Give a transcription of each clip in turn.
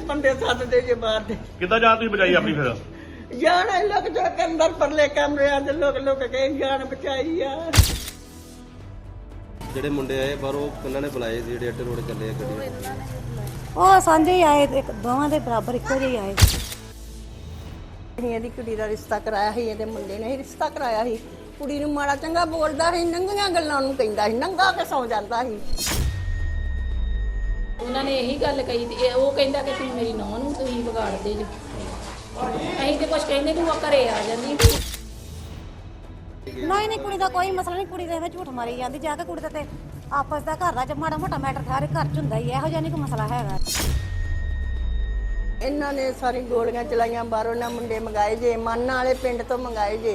ਬੰਦੇ ਸੱਦਦੇ ਜੇ ਬਾਹਰ ਦੇ। ਕਿੱਦਾਂ ਜਾਨ ਤੁਸੀਂ ਬਚਾਈ ਆਪਣੀ ਫਿਰ? ਜਾਨ ਇਹ ਲੋਕ ਜੋ ਕੇ ਅੰਦਰ ਪਰਲੇ ਕਮਰਿਆਂ ਦੇ ਲੋਕ ਕੇ ਜਾਨ ਬਚਾਈ ਆ। ਜਿਹੜੇ ਮੁੰਡੇ ਆਏ ਬਾਹਰੋਂ ਉਹਨਾਂ ਨੇ ਬੁਲਾਏ ਸੀ, ਜਿਹੜੇ ਅੱਡੇ ਰੋਡ ਚੱਲੇ ਆ ਗੱਡੀ ਉਹ ਸਾਂਝੇ ਹੀ ਆਏ, ਇੱਕ ਦੋਵਾਂ ਦੇ ਬਰਾਬਰ ਇੱਕੋ ਜਿਹੇ ਆਏ। ਅਸੀਂ ਇਹਦੀ ਕੁੜੀ ਦਾ ਰਿਸ਼ਤਾ ਕਰਾਇਆ ਸੀ, ਇਹਦੇ ਮੁੰਡੇ ਨੇ ਹੀ ਰਿਸ਼ਤਾ ਕਰਾਇਆ ਸੀ। ਕੁੜੀ ਨੂੰ ਮਾੜਾ ਚੰਗਾ ਬੋਲਦਾ ਸੀ, ਨੰਗੀਆਂ ਗੱਲਾਂ ਨੂੰ ਕਹਿੰਦਾ ਸੀ, ਨੰਗਾ ਕੇ ਸੌ ਜਾਂਦਾ ਸੀ। ਉਹਨਾਂ ਨੇ ਇਹੀ ਗੱਲ ਕਹੀ ਤੇ ਉਹ ਕਹਿੰਦਾ ਕਿ ਤੁਸੀਂ ਮੇਰੀ ਨੂੰਹ ਨੂੰ ਤੁਸੀਂ ਵਿਗਾੜਦੇ ਜੋ। ਅਸੀਂ ਤੇ ਕੁਛ ਕਹਿੰਦੇ ਨਹੀਂ, ਉਹ ਘਰੇ ਆ ਜਾਂਦੀ। ਨਹੀਂ ਕੁੜੀ ਦਾ ਕੋਈ ਮਸਲਾ ਨਹੀਂ, ਕੁੜੀ ਦੇ ਵਿੱਚ ਝੂਠ ਮਾਰੀ ਜਾਂਦੀ ਜਾ ਕੇ। ਕੁੜੀ ਦਾ ਤੇ ਆਪਸ ਦਾ ਘਰ ਦਾ ਮਾੜਾ ਮੋਟਾ ਮੈਟਰ ਸਾਰੇ ਘਰ ਚ ਹੁੰਦਾ ਹੀ, ਇਹੋ ਜਿਹਾ ਨਹੀਂ ਕੋਈ ਮਸਲਾ ਹੈਗਾ। ਇਹਨਾਂ ਨੇ ਸਾਰੀ ਗੋਲੀਆਂ ਚਲਾਈਆਂ, ਬਾਹਰੋਂ ਨਾ ਮੁੰਡੇ ਮੰਗਾਏ ਜੇ, ਮਾਨਾਂ ਵਾਲੇ ਪਿੰਡ ਤੋਂ ਮੰਗਾਏ ਜੇ।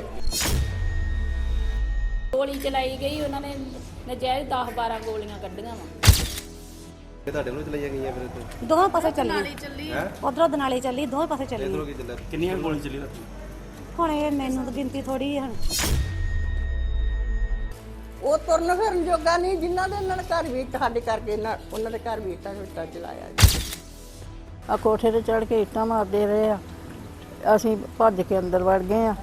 ਗੋਲੀ ਚਲਾਈ ਗਈ, ਉਹਨਾਂ ਨੇ ਨਜਾਇਜ਼ 10-12 ਗੋਲੀਆਂ ਕੱਢੀਆਂ ਵਾ। ਇਹ ਤੁਹਾਡੇ ਨੂੰ ਚਲਾਈਆਂ ਗਈਆਂ ਫਿਰ ਇੱਥੇ? ਦੋਵੇਂ ਪਾਸੇ ਚੱਲੀ, ਉਧਰੋਂ ਦਨਾਲੀ ਚੱਲੀ, ਦੋਵੇਂ ਪਾਸੇ ਚੱਲੀ। ਇਧਰੋਂ ਕੀ ਚੱਲਿਆ? ਕਿੰਨੀਆਂ ਗੋਲੀਆਂ ਚੱਲੀ ਰਾਤੀ? ਹੁਣ ਇਹ ਮੈਨੂੰ ਤਾਂ ਗਿਣਤੀ ਥੋੜੀ ਹੈ। ਉਹ ਤੁਰਨ ਫਿਰਨ ਜੋਗਾ ਨਹੀਂ, ਜਿਨ੍ਹਾਂ ਦੇ ਇਹਨਾਂ ਨੇ ਘਰ ਵੀ ਸਾਡੇ ਕਰਕੇ ਉਹਨਾਂ ਦੇ ਘਰ ਵੀ ਇੱਟਾਂ ਚਲਾਇਆ ਜੀ। ਆ ਕੋਠੇ ਤੇ ਚੜ ਕੇ ਇੱਟਾਂ ਮਾਰਦੇ ਰਹੇ ਆ, ਅਸੀਂ ਭੱਜ ਕੇ ਅੰਦਰ ਵੜ ਗਏ ਆ।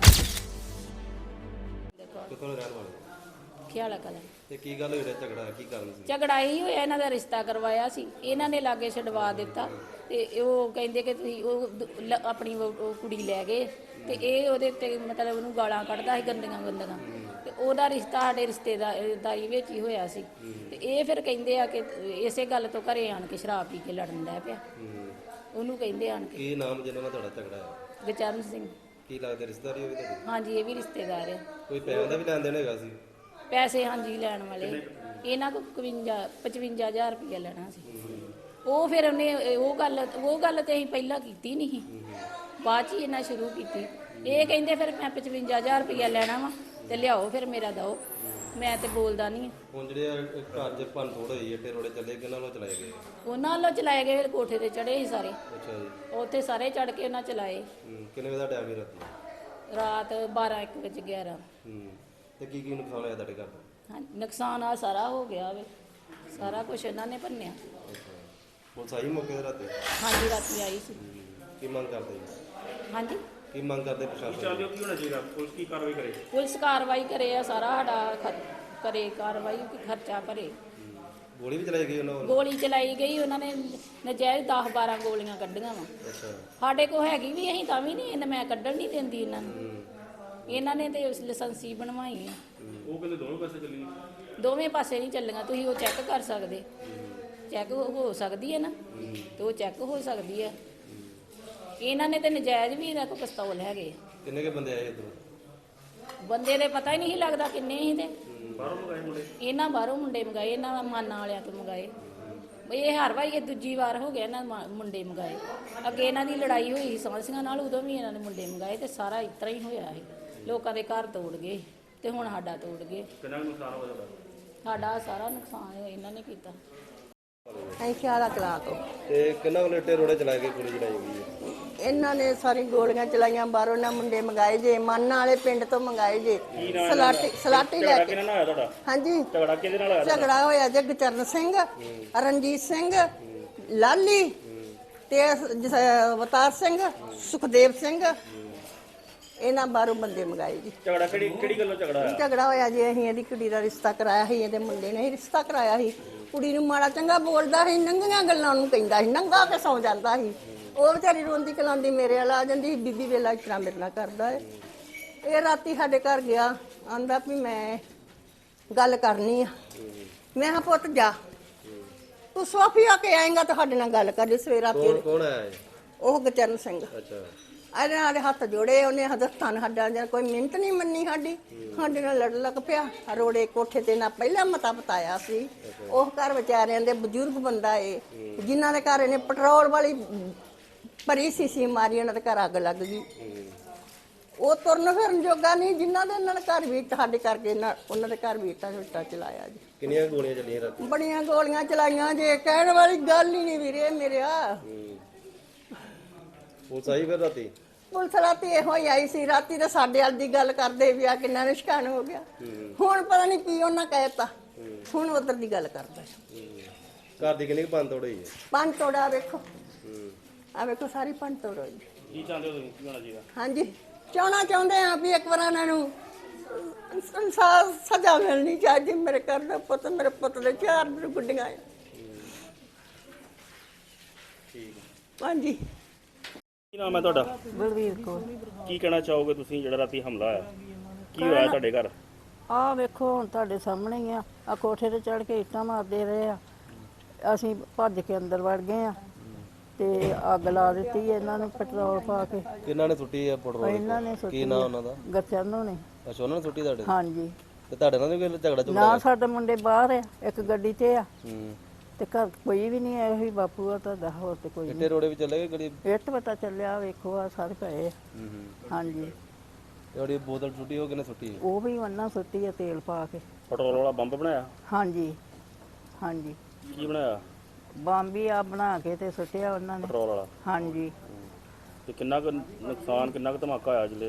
ਕਿੱਥੋਂ ਦੇ ਰਹਿਣ ਵਾਲੇ? ਖਿਆਲਾ ਕਲਾ ਇਹ ਕੀ ਗੱਲ ਹੋਈ? ਝਗੜਾ ਕੀ ਕਾਰਨ ਸੀ? ਝਗੜਾ ਹੀ ਹੋਇਆ, ਇਹਨਾਂ ਦਾ ਰਿਸ਼ਤਾ ਕਰਵਾਇਆ ਸੀ, ਇਹਨਾਂ ਨੇ ਲਾਗੇ ਛਡਵਾ ਦਿੱਤਾ ਤੇ ਉਹ ਕਹਿੰਦੇ ਕਿ ਤੁਸੀਂ ਉਹ ਆਪਣੀ ਉਹ ਕੁੜੀ ਲੈ ਗਏ ਤੇ ਇਹ ਉਹਦੇ ਉੱਤੇ ਮਤਲਬ ਉਹਨੂੰ ਗਾਲਾਂ ਕੱਢਦਾ ਸੀ ਗੰਦੀਆਂ ਤੇ ਉਹਦਾ ਰਿਸ਼ਤਾ ਸਾਡੇ ਰਿਸ਼ਤੇਦਾਰੀ ਵਿੱਚ ਹੀ ਹੋਇਆ ਸੀ। ਤੇ ਇਹ ਫਿਰ ਕਹਿੰਦੇ ਆ ਕਿ ਇਸੇ ਗੱਲ ਤੋਂ ਘਰੇ ਆਣ ਕੇ ਸ਼ਰਾਬ ਪੀ ਕੇ ਲੜਨ ਲੱਗ ਪਿਆ। ਉਹਨੂੰ ਕਹਿੰਦੇ ਆਣ ਕੇ। ਕੀ ਨਾਮ ਜਿਹਨਾਂ ਨਾਲ ਤੁਹਾਡਾ ਝਗੜਾ ਹੈ? ਗੁਰਚਰਨ ਸਿੰਘ। ਕੀ ਲੱਗਦਾ ਰਿਸ਼ਤੇਦਾਰੀ ਹੋਵੇ ਤੁਹਾਡੀ? ਹਾਂਜੀ, ਇਹ ਵੀ ਰਿਸ਼ਤੇਦਾਰ ਹੈ। ਕੋਈ ਪੈਸੇ ਦਾ ਵੀ ਲੈਣ ਦੇਣ ਹੈਗਾ ਸੀ? ਪੈਸੇ ਹਾਂਜੀ ਲੈਣ ਵਾਲੇ ਇਹਨਾਂ ਕੋਲ 55,000 ਰੁਪਇਆ ਲੈਣਾ ਸੀ। ਉਹ ਫਿਰ ਉਹਨੇ ਉਹ ਗੱਲ ਤੇ ਅਸੀਂ ਪਹਿਲਾਂ ਕੀਤੀ ਨਹੀਂ, ਬਾਅਦ 'ਚ ਹੀ ਇਹਨਾਂ ਸ਼ੁਰੂ ਕੀਤੀ। ਇਹ ਕਹਿੰਦੇ ਫਿਰ ਮੈਂ 55,000 ਰੁਪਇਆ ਲੈਣਾ ਵਾ ਤੇ ਲਿਆਓ ਫਿਰ ਮੇਰਾ ਦਿਓ। ਮੈਂ ਤੇ ਬੋਲਦਾ ਨਹੀਂ। ਹੁਣ ਜਿਹੜੇ ਘਰ 'ਚ ਭੰਨ ਤੋੜ ਹੋਈ ਅੱਡੇ ਰੋੜੇ ਚੱਲੇ, ਕਿਹਨਾਂ ਵੱਲੋਂ ਚਲਾਏ ਗਏ? ਉਹਨਾਂ ਵੱਲੋਂ ਚਲਾਏ ਗਏ, ਫਿਰ ਕੋਠੇ ਤੇ ਚੜੇ ਸੀ ਸਾਰੇ। ਅੱਛਾ ਜੀ। ਉੱਥੇ ਸਾਰੇ ਚੜ ਕੇ ਉਹਨਾਂ ਚਲਾਏ। ਕਿੰਨੇ ਵਜੇ ਦਾ ਟਾਈਮ ਸੀ ਰਾਤੀ? ਰਾਤ 12-1 ਵਜੇ 11। ਤੇ ਕੀ ਨੁਕਸਾਨ ਹੋਇਆ ਤੁਹਾਡੇ ਘਰ ਦਾ? ਹਾਂ, ਨੁਕਸਾਨ ਆ ਸਾਰਾ ਹੋ ਗਿਆ ਵੇ, ਸਾਰਾ ਕੁਝ ਇਹਨਾਂ ਨੇ ਭੰਨਿਆ। ਪੁਲਿਸ ਆਈ ਮੌਕੇ ਤੇ ਰਾਤੀ? ਹਾਂਜੀ, ਰਾਤੀ ਆਈ ਸੀ। ਕੀ ਮੰਗ ਕਰਦੇ ਜੀ? ਹਾਂਜੀ, ਕੀ ਮੰਗ ਕਰਦੇ ਪ੍ਰਸ਼ਾਸਨ? ਕੀ ਹੋਣਾ ਚਾਹੀਦਾ? ਪੁਲਿਸ ਕੀ ਕਾਰਵਾਈ ਕਰੇ? ਪੁਲਿਸ ਕਾਰਵਾਈ ਕਰੇ ਆ, ਸਾਰਾ ਸਾਡਾ ਕਰੇ ਕਾਰਵਾਈ, ਖਰਚਾ ਭਰੇ। ਗੋਲੀ ਵੀ ਚਲਾਈ ਗਈ ਉਹਨਾਂ ਵੱਲੋਂ? ਗੋਲੀ ਚਲਾਈ ਗਈ, ਉਹਨਾਂ ਨੇ ਨਜਾਇਜ਼ 10-12 ਗੋਲੀਆਂ ਕੱਢੀਆਂ ਵਾ। ਅੱਛਾ। ਸਾਡੇ ਕੋਲ ਹੈਗੀ ਵੀ, ਅਸੀਂ ਤਾਂ ਵੀ ਨਹੀਂ, ਮੈਂ ਕੱਢਣ ਨਹੀਂ ਦਿੰਦੀ ਇਹਨਾਂ ਨੂੰ। ਇਹਨਾਂ ਨੇ ਤੇ ਲਾਇਸੈਂਸੀ ਬਣਵਾਈ ਆ। ਉਹ ਕਹਿੰਦੇ ਦੋਵੇਂ ਪਾਸੇ ਚੱਲੀ? ਦੋਵੇਂ ਪਾਸੇ ਨਹੀਂ ਚੱਲੀਆਂ, ਤੁਸੀਂ ਉਹ ਚੈੱਕ ਕਰ ਸਕਦੇ। ਚੈੱਕ ਹੋ ਸਕਦੀ ਹੈ ਨਾ, ਤੇ ਉਹ ਚੈੱਕ ਹੋ ਸਕਦੀ ਹੈ। ਇਹਨਾਂ ਨੇ ਤੇ ਨਜਾਇਜ਼ ਵੀ ਇਹਨਾਂ ਕੋਲ ਪਿਸਤੌਲ ਹੈਗੇ। ਕਿੰਨੇ ਕੇ ਬੰਦੇ ਆਏ ਇੱਧਰੋਂ? ਬੰਦੇ ਦੇ ਪਤਾ ਹੀ ਨਹੀਂ ਲੱਗਦਾ ਕਿੰਨੇ ਸੀ ਤੇ। ਬਾਹਰੋਂ ਮੰਗਾਏ ਮੁੰਡੇ? ਇਹਨਾਂ ਬਾਹਰੋਂ ਮੁੰਡੇ ਮੰਗਾਏ, ਇਹਨਾਂ ਮਾਨਾਂ ਵਾਲਿਆਂ ਤੋਂ ਮੰਗਾਏ। ਇਹ ਹਰ ਵਾਰੀ ਇਹ ਦੂਜੀ ਵਾਰ ਹੋ ਗਿਆ ਇਹਨਾਂ ਮੁੰਡੇ ਮੰਗਾਏ। ਅੱਗੇ ਇਹਨਾਂ ਦੀ ਲੜਾਈ ਹੋਈ ਸੀ ਸਾਂਸੀਆਂ ਨਾਲ, ਉਦੋਂ ਵੀ ਇਹਨਾਂ ਨੇ ਮੁੰਡੇ ਮੰਗਾਏ ਤੇ ਸਾਰਾ ਇਸ ਤਰ੍ਹਾਂ ਹੀ ਹੋਇਆ ਸੀ। ਲੋਕਾਂ ਦੇ ਘਰ ਤੋੜ ਗਏ ਤੇ ਹੁਣ ਸਾਡਾ ਤੋੜ ਗਏ। ਕਿੰਨਾ ਨੁਕਸਾਨ ਹੋ ਜਾਦਾ? ਸਾਡਾ ਸਾਰਾ ਨੁਕਸਾਨ ਇਹਨਾਂ ਨੇ ਕੀਤਾ। ਅਸੀਂ ਖਿਆਲਾ ਕਲਾਂ ਤੋਂ। ਤੇ ਕਿੰਨਾ ਵੱਲੋਂ ਅੱਡੇ ਰੋੜੇ ਚਲਾਏ ਗਏ, ਗੋਲੀ ਚਲਾਈ ਗਈ ਹੈ? ਇਹਨਾਂ ਨੇ ਸਾਰੀ ਗੋਲੀਆਂ ਚਲਾਈਆਂ, ਬਾਹਰੋਂ ਨਾ ਮੁੰਡੇ ਮੰਗਾਏ ਜੇ, ਮਾਨਾਂ ਵਾਲੇ ਪਿੰਡ ਤੋਂ ਮੰਗਾਏ ਜੇ। ਸਲਾਟੀ ਲੈ ਕੇ। ਕਿਹਨਾਂ ਨਾਲ ਹੋਇਆ ਤੁਹਾਡਾ ਹਾਂਜੀ, ਝਗੜਾ? ਕਿਹਦੇ ਨਾਲ ਹੋਇਆ? ਝਗੜਾ ਹੋਇਆ ਜੇ ਗੁਰਚਰਨ ਸਿੰਘ, ਰਣਜੀਤ ਸਿੰਘ, ਲਾਲੀ ਤੇ ਅਵਤਾਰ ਸਿੰਘ, ਸੁਖਦੇਵ ਸਿੰਘ, ਇਹਨਾਂ ਬਾਹਰੋਂ ਬੰਦੇ ਮੰਗਾਏ ਜੀ। ਝਗੜਾ ਕਿਹੜੀ ਗੱਲੋਂ ਝਗੜਾ ਹੋਇਆ? ਝਗੜਾ ਹੋਇਆ ਜੀ, ਅਸੀਂ ਇਹਦੀ ਕੁੜੀ ਦਾ ਰਿਸ਼ਤਾ ਕਰਾਇਆ ਸੀ, ਇਹਦੇ ਮੁੰਡੇ ਨੇ ਹੀ ਰਿਸ਼ਤਾ ਕਰਾਇਆ ਸੀ। ਕੁੜੀ ਨੂੰ ਮਾੜਾ ਚੰਗਾ ਬੋਲਦਾ ਸੀ, ਨੰਗੀਆਂ ਗੱਲਾਂ ਨੂੰ ਕਹਿੰਦਾ ਸੀ, ਨੰਗਾ ਕੇ ਸੌ ਜਾਂਦਾ ਸੀ। ਉਹ ਵਿਚਾਰੀ ਰੋਂਦੀ ਕਲਾਂਦੀ ਮੇਰੇ ਵੱਲ ਆ ਜਾਂਦੀ ਸੀ, ਬੀਬੀ ਵੇਲਾ ਇਸ ਤਰ੍ਹਾਂ ਮੇਰੇ ਨਾਲ ਕਰਦਾ ਹੈ। ਇਹ ਰਾਤੀ ਸਾਡੇ ਘਰ ਗਿਆ, ਆਂਦਾ ਵੀ ਮੈਂ ਗੱਲ ਕਰਨੀ ਆ। ਮੈਂ ਕਿਹਾ ਪੁੱਤ ਜਾ, ਤੂੰ ਸੋਫੀਆ ਕੇ ਆਏਗਾ ਤੁਹਾਡੇ ਨਾਲ ਗੱਲ ਕਰੀ ਸਵੇਰਾ। ਕੌਣ ਆਇਆ? ਉਹ ਗੁਰਚਰਨ ਸਿੰਘ। ਅੱਛਾ। ਇਹਦੇ ਨਾਲ ਹੱਥ ਜੋੜੇ, ਉਹਨੇ ਹਦਸਤਾਨ ਸਾਡਾ ਜਾਂ ਕੋਈ ਮਿਹਨਤ ਨਹੀਂ ਮੰਨੀ ਸਾਡੀ, ਸਾਡੇ ਨਾਲ ਲੜ ਲੱਗ ਪਿਆ। ਰੋੜੇ ਕੋਠੇ ਤੇ ਨਾ ਪਹਿਲਾਂ ਮਤਾ ਬਤਾਇਆ ਸੀ। ਉਹ ਘਰ ਵਿਚਾਰਿਆਂ ਦੇ ਬਜ਼ੁਰਗ ਬੰਦਾ ਏ, ਜਿਨ੍ਹਾਂ ਦੇ ਘਰ ਇਹਨੇ ਪੈਟਰੋਲ ਵਾਲੀ ਭਰੀ ਸੀਸੀ ਮਾਰੀ, ਉਹਨਾਂ ਦੇ ਘਰ ਅੱਗ ਲੱਗ ਗਈ। ਉਹ ਤੁਰਨ ਫਿਰਨ ਜੋਗਾ ਨਹੀਂ, ਜਿਨ੍ਹਾਂ ਦੇ ਇਹਨਾਂ ਨੇ ਘਰ ਵੀ ਸਾਡੇ ਕਰਕੇ ਉਹਨਾਂ ਦੇ ਘਰ ਵੀ ਇੱਟਾਂ ਚਲਾਇਆ ਜੀ। ਕਿੰਨੀਆਂ ਗੋਲੀਆਂ ਚੱਲੀਆਂ ਰਾਤੀ? ਬੜੀਆਂ ਗੋਲੀਆਂ ਚਲਾਈਆਂ ਜੇ, ਕਹਿਣ ਵਾਲੀ ਗੱਲ ਹੀ ਨਹੀਂ ਵੀਰੇ ਮੇਰਿਆ। ਪੁਲਿਸ ਆਈ ਫਿਰ ਰਾਤੀ? ਪੁਲਿਸ ਰਾਤੀ ਇਹੋ ਹੀ ਆਈ ਸੀ। ਰਾਤੀ ਤਾਂ ਸਾਡੇ ਵੱਲ ਦੀ ਗੱਲ ਕਰਦੇ ਵੀ ਆ ਕਿੰਨਾ ਨਿਸ਼ਕਾਨ ਹੋ ਗਿਆ। ਹੁਣ ਪਤਾ ਨਹੀਂ ਕੀ ਉਹਨਾਂ ਕਹਿਤਾ, ਹੁਣ ਉਧਰ ਦੀ ਗੱਲ ਕਰਦਾ। ਘਰ ਦੀ ਕਿੰਨੀ ਭੰਨ ਤੋੜ ਹੋਈ ਹੈ? ਪੰਜ ਤੋੜਾ ਵੇਖੋ, ਆ ਵੇਖੋ ਸਾਰੀ ਭੰਨ ਤੋੜ ਹੋਈ। ਕੀ ਚਾਹੁੰਦੇ ਹੋ ਤੁਸੀਂ ਕੀ ਹੋਣਾ ਚਾਹੀਦਾ? ਹਾਂਜੀ ਚਾਹੁੰਦੇ ਆ ਵੀ ਇੱਕ ਵਾਰ ਇਹਨਾਂ ਨੂੰ ਸਜ਼ਾ ਮਿਲਣੀ ਚਾਹੀਦੀ। ਮੇਰੇ ਘਰ ਦਾ ਪੁੱਤ, ਮੇਰੇ ਪੁੱਤ ਦੇ 4 ਗੁੱਡੀਆਂ ਆ। ਠੀਕ ਹੈ। ਹਾਂਜੀ ਕੀ ਨਾਮ ਹੈ ਤੁਹਾਡਾ? ਬਲਵੀਰ ਕੌਰ। ਕੀ ਕਹਿਣਾ ਚਾਹੋਗੇ ਤੁਸੀਂ ਜਿਹੜਾ ਰਾਤੀ ਹਮਲਾ ਹੋਇਆ? ਕੀ ਹੋਇਆ ਤੁਹਾਡੇ ਘਰ? ਆਹ ਵੇਖੋ ਹੁਣ ਤੁਹਾਡੇ ਸਾਹਮਣੇ ਹੀ ਆ ਕੋਠੇ ਤੇ ਚੜ ਕੇ ਇੱਟਾਂ ਮਾਰਦੇ ਰਹੇ ਆ। ਅਸੀਂ ਭੱਜ ਕੇ ਅੰਦਰ ਵੜ ਗਏ ਆ ਤੇ ਅੱਗ ਲਾ ਦਿੱਤੀ ਇਹਨਾਂ ਨੂੰ ਪੈਟਰੋਲ ਪਾ ਕੇ। ਕਿਹਨਾਂ ਨੇ ਸੁੱਟੀ ਆ ਪੈਟਰੋਲ? ਇਹਨਾਂ ਨੇ ਕੀ ਸੁੱਟੀ ਨਾਂ ਉਹਨਾਂ ਦਾ? ਗਰਚਨੋਂ ਨੇ। ਅੱਛਾ, ਉਹਨਾਂ ਨੇ ਸੁੱਟੀ ਤੁਹਾਡੇ? ਹਾਂਜੀ। ਤੇ ਤੁਹਾਡੇ ਨਾਲ ਵੀ ਕੋਈ ਝਗੜਾ ਝੁਗੜਾ? ਨਾ ਸਾਡੇ ਮੁੰਡੇ ਬਾਹਰ ਆ, ਇੱਕ ਗੱਡੀ ਤੇ ਆ ਹੂੰ। ਤੇ ਘਰ ਕੋਈ ਵੀ ਨਹੀਂ ਆਇਆ। ਹੀ ਬਾਪੂ ਆ ਤੁਹਾਡਾ, ਹੋਰ ਤੇ ਕੋਈ ਇੱਟੇ ਰੋੜੇ ਵੀ ਚੱਲੇ ਗਏ ਗਲੀ? ਨਹੀਂ। ਇੱਟ ਪਤਾ ਚੱਲਿਆ ਵੇਖੋ ਆ ਸਾਰੇ ਪਏ ਆ। ਹੂੰ। ਹਾਂਜੀ। ਜਿਹੜੀ ਬੋਤਲ ਸੁੱਟੀ ਉਹ ਕਿਹਨੇ ਸੁੱਟੀ? ਉਹ ਵੀ ਉਹਨਾਂ ਸੁੱਟੀ ਆ ਤੇਲ ਪਾ ਕੇ। ਪੈਟਰੋਲ ਵਾਲਾ ਬੰਬ ਬਣਾਇਆ? ਹਾਂਜੀ ਹਾਂਜੀ। ਕੀ ਬਣਾਇਆ? ਬੰਬੀ ਆ ਬਣਾ ਕੇ ਤੇ ਸੁੱਟਿਆ ਉਹਨਾਂ ਨੇ। ਪੈਟਰੋਲ ਵਾਲਾ? ਹਾਂਜੀ। ਤੇ ਕਿੰਨਾ ਕੁ ਨੁਕਸਾਨ, ਕਿੰਨਾ ਕੁ ਧਮਾਕਾ ਹੋਇਆ ਜਿਲੇ?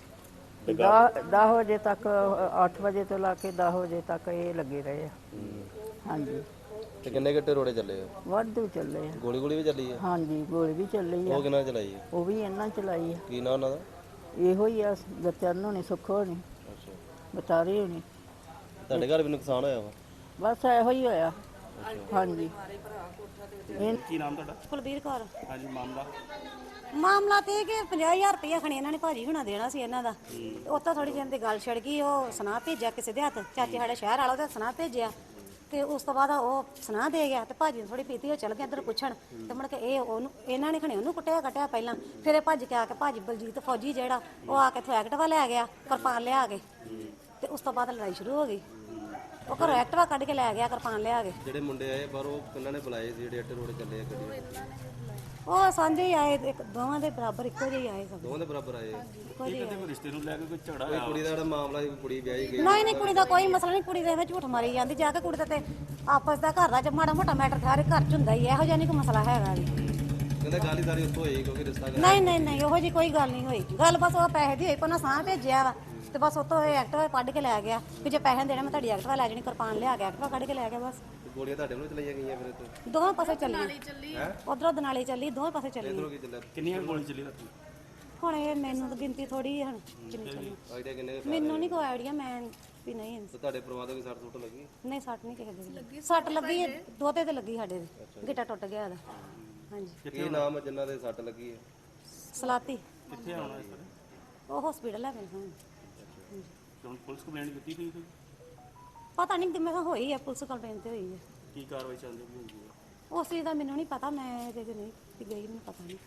10 ਵਜੇ ਤੱਕ, 8 ਵਜੇ ਤੋਂ ਲਾ ਕੇ 10 ਵਜੇ ਤੱਕ ਇਹ ਲੱਗੇ ਰਹੇ ਆ। ਹਾਂਜੀ। ਤੇ ਕਿੰਨੇ ਗੱਟੇ ਰੋੜੇ ਚੱਲੇ ਆ? ਵਾਧੂ ਚੱਲੇ ਆ। ਗੋਲੀ ਵੀ ਚੱਲੀ ਆ? ਹਾਂਜੀ ਗੋਲੀ ਵੀ ਚੱਲੀ ਆ। ਉਹ ਕਿਹਨਾਂ ਚਲਾਈ ਆ? ਉਹ ਵੀ ਇਹਨਾਂ ਚਲਾਈ ਆ। ਕੀ ਨਾਂ ਉਹਨਾਂ ਦਾ? ਇਹੋ ਹੀ ਆ, ਗਚਨ ਹੋਣੀ, ਸੁੱਖ ਹੋਣੀ, ਅੱਛਾ। ਬਤਾਰੀ ਹੋਣੀ। ਤੁਹਾਡੇ ਘਰ ਵੀ ਨੁਕਸਾਨ ਹੋਇਆ ਵਾ? ਬਸ ਇਹੋ ਹੀ ਹੋਇਆ। ਹਾਂਜੀ। ਕੀ ਨਾਮ ਤੁਹਾਡਾ? ਕੁਲਬੀਰ ਕੌਰ। ਹਾਂਜੀ, ਮਾਮਲਾ? ਮਾਮਲਾ ਤੇ ਇਹ ਕਿ 50,000 ਰੁਪਇਆ ਖਣੀ ਇਹਨਾਂ ਨੇ ਭਾਜੀ ਹੁਣਾ ਦੇਣਾ ਸੀ ਇਹਨਾਂ ਦਾ। ਉੱਥੋਂ ਥੋੜੀ ਜਿਹੀ ਦੀ ਗੱਲ ਛਿੜ ਗਈ। ਉਹ ਸੁਨਾਹ ਭੇਜਿਆ ਕਿਸੇ ਦੇ ਹੱਥ, ਚਾਚੇ ਸਾਡੇ ਸ਼ਹਿਰ ਵਾਲਾ ਉਹਦਾ ਸੁਨਾਹ ਭੇਜਿਆ ਤੇ ਉਸ ਤੋਂ ਬਾਅਦ ਉਹ ਸੁਨਾਹ ਦੇ ਗਿਆ ਤੇ ਭਾਜੀ ਨੂੰ ਥੋੜੀ ਪੀਤੀ, ਉਹ ਚਲ ਗਿਆ ਇੱਧਰ ਪੁੱਛਣ ਤੇ ਮੁੜ ਕੇ ਇਹਨਾਂ ਨੇ ਖਣੀ ਉਹਨੂੰ ਕੱਟਿਆ ਪਹਿਲਾਂ। ਫਿਰ ਇਹ ਭੱਜ ਕੇ ਆ ਕੇ ਭਾਜੀ ਬਲਜੀਤ ਫੌਜੀ ਜਿਹੜਾ ਉਹ ਆ ਕੇ ਐਕਟਿਵਾ ਲੈ ਗਿਆ, ਕਿਰਪਾਨ ਲਿਆ ਕੇ ਤੇ ਉਸ ਤੋਂ ਬਾਅਦ ਲੜਾਈ ਸ਼ੁਰੂ ਹੋ ਗਈ। ਉਹ ਘਰੋਂ ਐਕਟਿਵਾ ਕੱਢ ਕੇ ਲੈ ਗਿਆ, ਕਿਰਪਾਨ ਲਿਆ ਕੇ। ਜਿਹੜੇ ਮੁੰਡੇ ਆਏ ਬਾਹਰੋਂ ਕਿੰਨਾਂ ਨੇ ਬੁਲਾਏ ਸੀ ਜਿਹੜੇ ਇੱਟੇ ਰੋੜੇ ਚੱਲੇ ਆ ਗੱਡੀ? ਉਹ ਸਾਂਝੇ ਹੀ ਆਏ, ਦੋਵਾਂ ਦੇ ਬਰਾਬਰ ਇੱਕੋ ਜਿਹੇ ਆਏ ਸਭ। ਦੋਵਾਂ ਦੇ ਬਰਾਬਰ ਆਏ? ਇੱਕੋ ਜਿਹੇ ਆਏ। ਰਿਸ਼ਤੇ ਨੂੰ ਲੈ ਕੇ ਕੋਈ ਝਗੜਾ ਕੋਈ ਕੁੜੀ ਦਾ ਜਿਹੜਾ ਮਾਮਲਾ ਸੀ, ਕੁੜੀ ਵਿਆਹੀ ਗਈ? ਨਹੀਂ ਕੁੜੀ ਦਾ ਕੋਈ ਮਸਲਾ ਨਹੀਂ। ਕੁੜੀ ਦੇ ਵਿੱਚ ਝੂਠ ਮਾਰੀ ਜਾਂਦੀ ਜਾ ਕੇ। ਕੁੜੀ ਦਾ ਤੇ ਆਪਸ ਦਾ ਘਰ ਦਾ ਮਾੜਾ ਮੋਟਾ ਮੈਟਰ ਸਾਰੇ ਘਰ ਚ ਹੁੰਦਾ ਹੀ ਹੈ। ਇਹੋ ਜਿਹਾ ਨਹੀਂ ਕੋਈ ਮਸਲਾ ਹੈਗਾ ਵੀ। ਕਹਿੰਦਾ ਗੱਲ ਹੀ ਸਾਰੀ ਉੱਥੋਂ ਹੋਈ ਕਿਉਂਕਿ ਰਿਸ਼ਤਾ ਨਹੀਂ ਉਹੋ ਜੀ ਕੋਈ ਗੱਲ ਨਹੀਂ ਹੋਈ। ਗੱਲ ਬਸ ਉਹ ਪੈਸੇ ਦੀ ਹੋਈ। ਕੋਨਾ ਸਾਹ ਭੇਜਿਆ ਵਾ ਤੇ ਬਸ ਉਤੋਂ ਐਕਟਿਵਾ ਕੱਢ ਕੇ ਲੈ ਗਿਆ ਕਿ ਜੇ ਪੈਸੇ ਦੇਣੇ ਮੈਂ ਤੁਹਾਡੀ ਐਕਟਿਵਾ ਲੈ ਜਾਣੀ। ਕਿਰਪਾਨ ਲਿਆ ਕੇ ਐਕਟਿਵਾ ਕੱਢ ਕੇ ਲੈ ਗਿਆ ਬਸ। ਗੋਲੀਆਂ ਤੁਹਾਡੇ ਵੱਲੋਂ ਚਲਾਈਆਂ ਗਈਆਂ ਫਿਰ ਇੱਥੇ? ਦੋਵੇਂ ਪਾਸੇ ਚੱਲੀ, ਉਧਰੋਂ ਦਨਾਲੀ ਚੱਲੀ, ਦੋਵੇਂ ਪਾਸੇ ਚੱਲੀ। ਇਧਰੋਂ ਕੀ ਚੱਲਿਆ? ਕਿੰਨੀਆਂ ਗੋਲੀ ਚੱਲੀ ਰਾਤੀ? ਹੁਣ ਇਹ ਮੈਨੂੰ ਤਾਂ ਗਿਣਤੀ ਥੋੜੀ ਹੈ ਹੁਣ ਕਿੰਨੀ ਚੱਲੀ। ਆਈਡੀਆ ਕਿੰਨੇ? ਮੈਨੂੰ ਨਹੀਂ ਕੋਈ ਆਈਡੀਆ, ਮੈਂ ਵੀ ਨਹੀਂ। ਤੇ ਤੁਹਾਡੇ ਪਰਿਵਾਰ ਦੇ ਕੋਈ ਸੱਟ ਸੁੱਟ ਲੱਗੀ? ਨਹੀਂ ਸੱਟ ਨਹੀਂ ਕਿਸੇ ਦੀ ਲੱਗੀ। ਸੱਟ ਲੱਗੀ ਹੈ ਦੋਤੇ ਤੇ ਲੱਗੀ, ਸਾਡੇ ਦੇ ਗਿੱਟਾ ਟੁੱਟ ਗਿਆ ਇਹਦਾ। ਹਾਂਜੀ। ਕੀ ਨਾਮ ਹੈ ਜਿਨ੍ਹਾਂ ਦੇ ਸੱਟ ਲੱਗੀ ਹੈ? ਸਲਾਤੀ। ਕਿੱਥੇ ਆਉਣਾ ਇਸ ਵੇਲੇ? ਉਹ ਹਸਪੀਟਲ ਲੈ ਗਏ ਹੁਣ। ਹੁਣ ਪੁਲਿਸ ਕੰਪਲੇਂਟ ਦਿੱਤੀ ਗਈ ਕੋਈ? ਪਤਾ ਨਹੀਂ ਕਿ ਮੈਂ ਕਿਹਾ ਹੋਈ ਹੈ, ਪੁਲਿਸ ਕੰਪਲੇਂਟ ਤੇ ਹੋਈ ਹੈ। ਕੀ ਕਾਰਵਾਈ ਚੱਲਦੀ ਪਈ ਹੋਈ ਹੈ? ਉਸ ਚੀਜ਼ ਦਾ ਮੈਨੂੰ ਨਹੀਂ ਪਤਾ, ਮੈਂ ਜੇ ਨਹੀਂ ਗਈ, ਮੈਨੂੰ ਪਤਾ ਨਹੀਂ।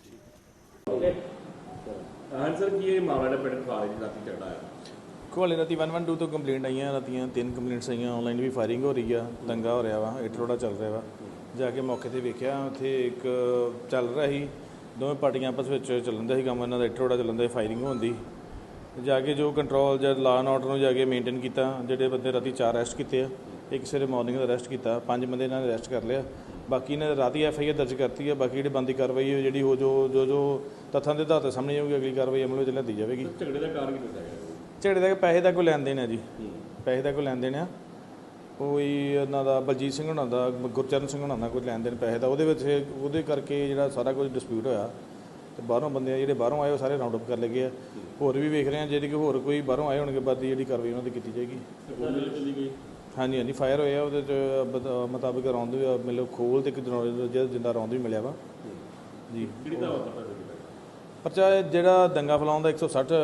ਹਾਂ ਸਰ, ਕੀ ਇਹ ਮਾਮਲਾ ਦਾ ਪਿੰਡ ਖਾਲੇ ਦੀ ਰਾਤੀ ਝਗੜਾ ਆਇਆ? ਕੋਲੇ ਰਾਤੀ 112 ਤੋਂ ਕੰਪਲੇਂਟ ਆਈਆਂ। ਰਾਤੀਆਂ 3 ਕੰਪਲੇਂਟਸ ਆਈਆਂ। ਆਨਲਾਈਨ ਵੀ ਫਾਇਰਿੰਗ ਹੋ ਰਹੀ ਆ, ਦੰਗਾ ਹੋ ਰਿਹਾ ਵਾ, ਇੱਟ ਰੋੜਾ ਚੱਲ ਰਿਹਾ ਵਾ। ਜਾ ਕੇ ਮੌਕੇ ਤੇ ਵੇਖਿਆ, ਉੱਥੇ ਇੱਕ ਚੱਲ ਰਿਹਾ ਸੀ, ਦੋਵੇਂ ਪਾਰਟੀਆਂ ਆਪਸ ਵਿੱਚ ਚੱਲਣ ਦਾ ਸੀ ਕੰਮ। ਇਹਨਾਂ ਦਾ ਇੱਟ ਰੋੜਾ ਚੱਲਣ ਦਾ, ਫਾਇਰਿੰਗ ਹੁੰਦੀ। ਜਾ ਕੇ ਜੋ ਕੰਟਰੋਲ ਜਾਂ ਲਾ ਐਂਡ ਆਰਡਰ ਨੂੰ ਜਾ ਕੇ ਮੇਨਟੇਨ ਕੀਤਾ। ਜਿਹੜੇ ਬੰਦੇ ਰਾਤੀ 4 ਅਰੈਸਟ ਕੀਤੇ ਆ, ਇੱਕ ਸਵੇਰੇ ਮਾਰਨਿੰਗ ਦਾ ਅਰੈਸਟ ਕੀਤਾ, 5 ਬੰਦੇ ਇਹਨਾਂ ਨੇ ਅਰੈਸਟ ਕਰ ਲਿਆ। ਬਾਕੀ ਨੇ ਰਾਤੀ FIR ਦਰਜ ਕਰਤੀ ਹੈ। ਬਾਕੀ ਜਿਹੜੀ ਬੰਦੀ ਕਾਰਵਾਈ ਹੈ ਜਿਹੜੀ ਉਹ ਜੋ ਤੱਥਾਂ ਦੇ ਆਧਾਰ ਤੇ ਸਾਹਮਣੇ ਆਊਗੀ, ਅਗਲੀ ਕਾਰਵਾਈ ਅਮਲ ਵਿੱਚ ਲਿਆਂਦੀ ਜਾਵੇਗੀ। ਝਗੜੇ ਦਾ ਕਾਰਨ ਕੀ ਦੱਸਿਆ ਗਿਆ? ਝਗੜੇ ਦਾ ਪੈਸੇ ਦਾ ਕੋਈ ਲੈਣ ਦੇਣ ਹੈ ਜੀ, ਪੈਸੇ ਦਾ ਕੋਈ ਲੈਣ ਦੇਣ ਆ। ਕੋਈ ਉਹਨਾਂ ਦਾ ਬਲਜੀਤ ਸਿੰਘ ਹੋਣਾ ਦਾ, ਗੁਰਚਰਨ ਸਿੰਘ ਹੋਣਾ ਦਾ ਕੋਈ ਲੈਣ ਦੇਣ ਪੈਸੇ ਦਾ, ਉਹਦੇ ਕਰਕੇ ਜਿਹੜਾ ਸਾਰਾ ਕੁਝ ਡਿਸਪਿਊਟ ਹੋਇਆ। ਤੇ ਬਾਹਰੋਂ ਬੰਦੇ ਆ ਜਿਹੜੇ ਬਾਹਰੋਂ ਆਏ ਉਹ ਸਾਰੇ ਰਾਉਂਡ ਅਪ ਕਰ ਲਏ ਗਏ ਆ। ਹੋਰ ਵੀ ਵੇਖ ਰਹੇ ਆ, ਜਿਹੜੀ ਕਿ ਹੋਰ ਕੋਈ ਬਾਹਰੋਂ ਆਏ ਹੋਣਗੇ ਬਾਅਦ ਦੀ ਜਿਹੜੀ ਕਾਰਵਾਈ ਉਹਨਾਂ ਦੀ ਕੀਤੀ ਜਾਏਗੀ। ਹਾਂਜੀ ਫਾਇਰ ਹੋਏ ਆ, ਉਹਦੇ 'ਚ ਮੁਤਾਬਿਕ ਰੌਂਦ ਵੀ ਮਤਲਬ ਖੋਲ ਤੇ ਇੱਕ ਜਿੰਦਾ ਰੌਂਦ ਵੀ ਮਿਲਿਆ ਵਾ ਜੀ। ਪਰਚਾ ਜਿਹੜਾ ਦੰਗਾ ਫੈਲਾਉਣ ਦਾ 160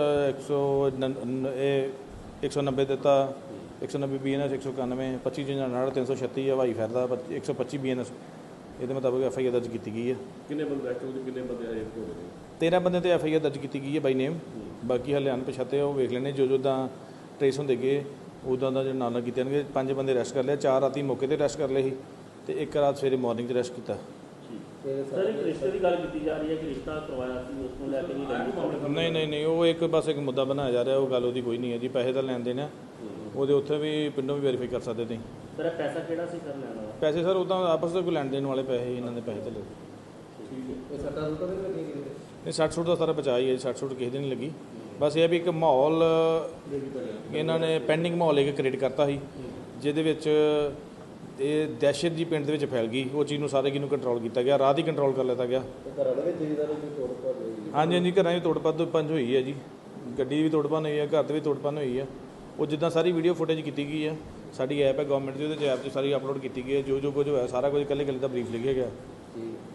190 ਦਿੱਤਾ, 190 BNS 191, 25 59 336 ਹਵਾਈ ਫਾਇਰ ਦਾ 125 BNS। ਇਹਦੇ ਮੁਤਾਬਕ FIR ਦਰਜ ਕੀਤੀ ਗਈ ਹੈ। ਕਿੰਨੇ ਬੰਦੇ ਐਕਟਿਵ ਤੇ ਕਿੰਨੇ ਬੰਦੇ ਆਏ ਹੋ ਗਏ? 13 ਬੰਦੇ ਤੇ FIR ਦਰਜ ਕੀਤੀ ਗਈ ਹੈ ਬਾਈ ਨੇਮ। ਬਾਕੀ ਹਲੇ ਅਣਪਛਾਤੇ ਉਹ ਵੇਖ ਲੈਣੇ, ਜੋ ਦਾ ਟਰੇਸ ਹੁੰਦੇ ਗਏ ਉੱਦਾਂ ਦਾ ਜਿਹੜਾ ਨਾਲ ਕੀਤੇ ਜਾਣਗੇ। 5 ਬੰਦੇ ਅਰੈਸਟ ਕਰ ਲਿਆ, 4 ਰਾਤੀ ਮੌਕੇ ਤੇ ਅਰੈਸਟ ਕਰ ਲਏ ਸੀ ਤੇ 1 ਰਾਤ ਸਵੇਰੇ ਮਾਰਨਿੰਗ 'ਚ ਅਰੈਸਟ ਕੀਤਾ। ਸਰ, ਇੱਕ ਰਿਸ਼ਤੇ ਦੀ ਗੱਲ ਕੀਤੀ ਜਾ ਰਹੀ ਹੈ ਕਿ ਰਿਸ਼ਤਾ ਕਰਵਾਇਆ ਸੀ, ਉਸ ਨੂੰ ਲੈ ਕੇ ਨਹੀਂ ਉਹ ਇੱਕ ਬਸ ਇੱਕ ਮੁੱਦਾ ਬਣਾਇਆ ਜਾ ਰਿਹਾ। ਉਹ ਗੱਲ ਉਹਦੀ ਕੋਈ ਨਹੀਂ ਹੈ ਜੀ। ਪੈਸੇ ਦਾ ਲੈਣ ਦੇਣ ਆ, ਉਹਦੇ ਉੱਥੇ ਵੀ ਪਿੰਡੋਂ ਵੀ ਵੈਰੀਫਾਈ ਕਰ ਸਕਦੇ ਤੁਸੀਂ। ਸਰ, ਪੈਸਾ ਕਿਹੜਾ ਸੀ ਸਰ ਲੈਣ ਵਾਲਾ? ਪੈਸੇ ਸਰ ਉੱਦਾਂ ਆਪਸ ਵਿੱਚ ਕੋਈ ਲੈਣ ਦੇਣ ਵਾਲੇ ਪੈਸੇ, ਇਹਨਾਂ ਦੇ ਪੈਸੇ ਤੇ ਲੱਗੇ। ਇਹ ਸੱਟਾਂ ਸੁੱਟਾਂ ਨਹੀਂ ਲੱਗੀਆਂ ਕਿਤੇ? ਇਹ 60 ਸੁੱਟ ਦਾ ਸਾਰਾ ਬਚਾਅ ਹੀ ਹੈ। 60 ਸੁੱਟ ਕਿਸੇ ਦੇ ਨਹੀਂ ਲੱਗੀ। ਬਸ ਇਹ ਵੀ ਇੱਕ ਮਾਹੌਲ ਇਹਨਾਂ ਨੇ ਪੈਂਡਿੰਗ ਮਾਹੌਲ ਇੱਕ ਕ੍ਰੀਏਟ ਕਰਤਾ ਸੀ, ਜਿਹਦੇ ਵਿੱਚ ਇਹ ਦਹਿਸ਼ਤ ਜੀ ਪਿੰਡ ਦੇ ਵਿੱਚ ਫੈਲ ਗਈ। ਉਹ ਚੀਜ਼ ਨੂੰ ਸਾਰੇ ਨੂੰ ਕੰਟਰੋਲ ਕੀਤਾ ਗਿਆ, ਰਾਤ ਹੀ ਕੰਟਰੋਲ ਕਰ ਲਿੱਤਾ ਗਿਆ। ਘਰਾਂ ਦੇ ਵਿੱਚ ਜਿਹਦਾ ਕੋਈ ਤੋੜ ਭੰਨ ਹੋਈ ਹਾਂਜੀ ਹਾਂਜੀ, ਘਰਾਂ 'ਚ ਤੋੜ ਭੰਨ ਹੋਈ ਹੈ ਜੀ, ਗੱਡੀ ਵੀ ਤੋੜ ਭੰਨ ਹੋਈ ਹੈ, ਘਰ 'ਤੇ ਵੀ ਤੋੜ ਭੰਨ ਹੋਈ ਹੈ। ਉਹ ਜਿੱਦਾਂ ਸਾਰੀ ਵੀਡੀਓ ਫੁਟੇਜ ਕੀਤੀ ਗਈ ਹੈ, ਸਾਡੀ ਐਪ ਹੈ ਗਵਰਨਮੈਂਟ ਦੀ, ਉਹਦੇ 'ਚ ਐਪ 'ਚ ਸਾਰੀ ਅਪਲੋਡ ਕੀਤੀ ਗਈ ਹੈ। ਜੋ ਕੁਝ ਹੋਇਆ ਸਾਰਾ ਕੁਝ ਇਕੱਲੇ ਦਾ ਬਰੀਫ ਲਿਖਿਆ ਗਿਆ।